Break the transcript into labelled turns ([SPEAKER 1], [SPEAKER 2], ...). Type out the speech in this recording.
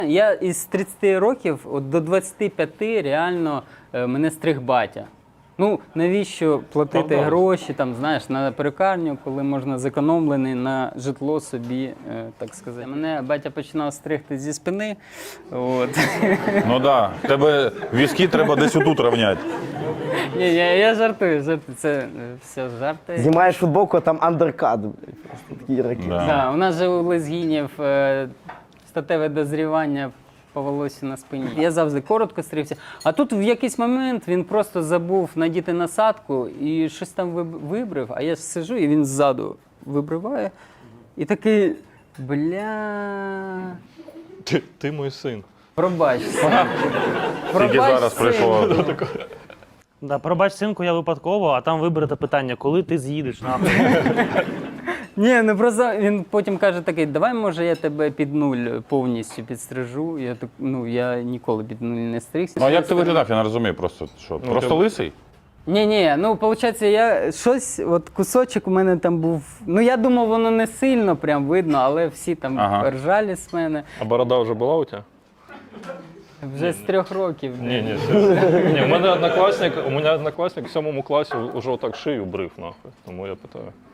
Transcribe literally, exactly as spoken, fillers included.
[SPEAKER 1] Я із тридцяти років от до двадцяти п'яти реально е, мене стриг батя. Ну, навіщо платити
[SPEAKER 2] Правда?
[SPEAKER 1] гроші, там, знаєш, на перукарню, коли можна зекономлений на житло собі, е, так сказати. Мене батя починав стригти зі спини. От.
[SPEAKER 3] Ну так, да. Тебе візки треба десь отут рівняти.
[SPEAKER 1] Ні, я, я жартую, жартую, це е, все жарти.
[SPEAKER 4] Знімаєш футболку, а там андеркат. Просто такі ракети.
[SPEAKER 3] Да.
[SPEAKER 1] Да, у нас же у лезгінів е, статеве дозрівання по волосю на спині. Я завжди коротко стригся. А тут в якийсь момент він просто забув надіти насадку і щось там виб- вибрив, а я ж сижу і він ззаду вибриває. І такий, бля...
[SPEAKER 2] Ти, ти мій син.
[SPEAKER 1] Пробач.
[SPEAKER 3] Тільки зараз
[SPEAKER 1] сину.
[SPEAKER 3] прийшло.
[SPEAKER 5] Да, пробач, синку, я випадково, а там виберете питання, коли ти з'їдеш нахуй.
[SPEAKER 1] Ні, ну просто він потім каже такий, давай, може, я тебе під нуль повністю підстрижу. Я так, ну, я ніколи під нуль не стригся.
[SPEAKER 3] Ну а як ти виглядав, я не розумію просто. Що, просто
[SPEAKER 2] ти-
[SPEAKER 3] лисий?
[SPEAKER 1] Ні, ні, ну виходить, я щось, от кусочок у мене там був. Ну я думав, воно не сильно прям видно, але всі там
[SPEAKER 3] Ага.
[SPEAKER 1] ржали з мене.
[SPEAKER 2] А борода вже була у тебе?
[SPEAKER 1] Вже з трьох років.
[SPEAKER 2] Ні, ні, все. Ні, у мене однокласник, у мене однокласник в сьомому класі вже отак шию брив, нахуй. Тому я питаю.